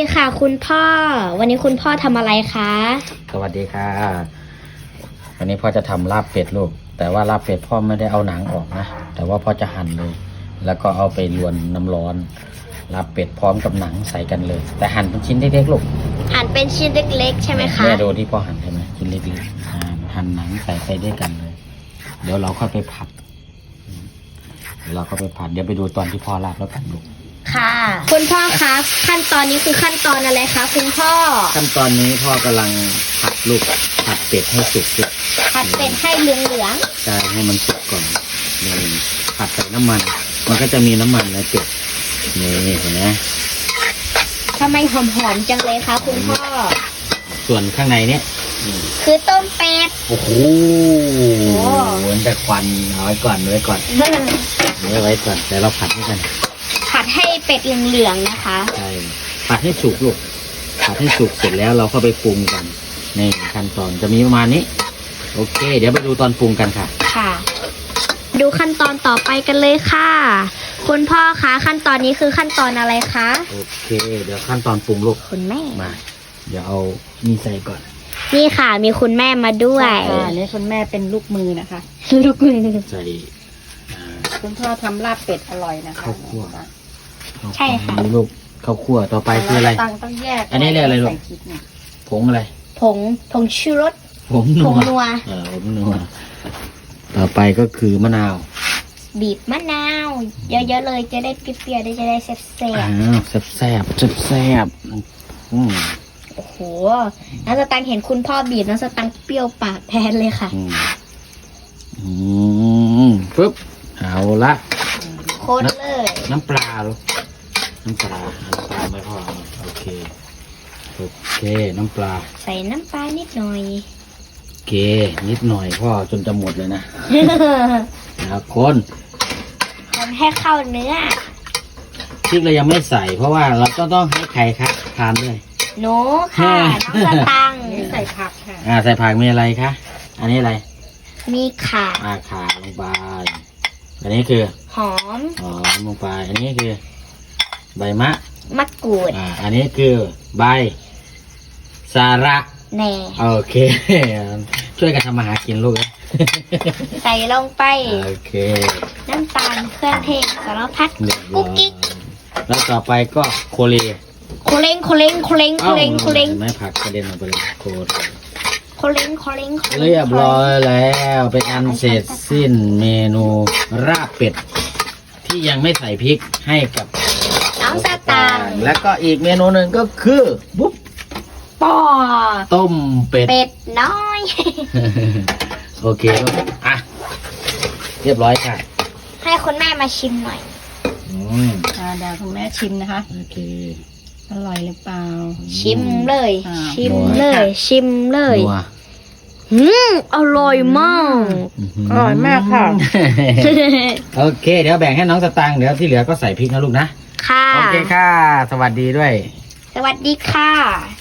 ค่ะคุณพ่อวันนี้คุณพ่อทำอะไรคะสวัสดีค่ะวันนี้พ่อจะทำลาบเป็ดลูกแต่ว่าลาบเป็ดพ่อไม่ได้เอาหนังออกนะแต่ว่าพ่อจะหั่นเลย แล้วก็เอาไปลวนน้ำร้อนลาบเป็ดพร้อมกับหนังใส่กันเลย แต่หั่นเป็นชิ้นเล็กๆลูกหั่นเป็นชิ้นเล็กๆใช่ไหมคะแม่ดูที่พ่อหั่นใช่ไหมชิ้นเล็กๆหั่นหนังใส่ไปด้วยกันเลย เดี๋ยวเราค่อยไปผัดเดี๋ยวไปดูตอนที่พ่อลาบแล้วกันลูกค่ะคุณพ่อคะขั้นตอนนี้คือขั้นตอนอะไรคะคุณพ่อขั้นตอนนี้พ่อกำลังผัดลูกผัดเป็ดให้สุกลูกผัดเป็ดให้เหลืองใช่ให้มันสุกก่อนนี่ผัดใส่น้ำมันมันก็จะมีน้ำมันในเป็ดนี่เห็นไหมๆทำไมหอมๆจังเลยคะคุณพ่อส่วนข้างในเนี้ยคือต้มเป็ดโอ้โหเหมือนแต่ควันเอาไว้ก่อนแต่เราผัดให้กันผัดให้เป็ดเหลืองๆนะคะใช่ผัดให้สุกลูกผัดให้สุกเสร็จแล้วเราเข้าไปปรุงกันในขั้นตอนจะมีประมาณนี้โอเค เดี๋ยวไปดูตอนปรุงกันค่ะค่ะ ดูขั้นตอนต่อไปกันเลยค่ะ คุณพ่อคะขั้นตอนนี้คือขั้นตอนอะไรคะโอเค เดี๋ยวขั้นตอนปรุงลูกคุณแม่มาเดี๋ยวเอานี่ใส่ก่อนนี่ค่ะมีคุณแม่มาด้วยค่ะนี่คุณแม่เป็นลูกมือนะคะลูกมือใส่อ่าคุณพ่อทำลาบเป็ดอร่อยนะคะข้าวคั่วใช่ค่ะนี่ลูกข้าวคั่วต่อไปคืออะไรต้องแยกอันนี้เรียกอะไรลูกใส่พริกเนี่ยผงอะไรผงชูรสผงนัวผงนัวผงนัวต่อไปก็คือมะนาวบีบมะนาว เยอะๆเลยจะได้เปรี้ยวๆจะได้แซ่บอ้าวแซ่บอืมๆโอ้โหน้องสตังค์เห็นคุณพ่อบีบน้องสตังค์เปรี้ยวปากแทนเลยค่ะปึ๊บเอาละโคตรเลยน้ำปลาลูกน้ำปลาไม่พอโอเคน้ำปลาใส่น้ำปลานิดหน่อยโอเคนิดหน่อยพ่อจนจะหมดเลยนะแล้วคนคนให้เข้าเนื้อพริกเรายังไม่ใส่เพราะว่าเราต้องให้ใครครับทานด้วยหนูค่ะน้องสตังค์อันนี้ใส่ผักค่ะใส่ผักมีอะไรคะอันนี้อะไรมีข่าขาลงไปอันนี้คือหอมหอมลงไปอันนี้คือ ใบมะมะกรูดอันนี้คือใบสาระแหน่โอเค ช่วยกันทำมาหากินลูกนะใส่ลงไปโอเคน้ำตาลเครื่องเทศสารพัดเรียบร้กุ๊อกกิ๊กยแล้วต่อไปก็โคเรียโคเล้งไม่ผักกระเด็นออกไปเลยโคเรียโคเล้งเรียบร้อยแล้วเป็นอันเสร็จสิ้นเมนูราบเป็ดที่ยังไม่ใส่พริกให้กับน้องสตังค์แล้วก็อีกเมนูหนึ่งก็คือบุ๊บปอต้มเป็ดเป็ดน้อยโอเคอ่ะเรียบร้อยค่ะให้คุณแม่มาชิมหน่อยอืมเดี๋ยวคุณแม่ชิมนะคะโอเคอร่อยหรือเปล่าชิมเลยอ่าชิมเลยนัวอร่อยมากอร่อยมากค่ะโอเค เดี๋ยวแบ่งให้น้องสตางค์เดี๋ยวที่เหลือก็ใส่พริกนะลูกนะค่ะโอเคค่ะ สวัสดีด้วยสวัสดีค่ะ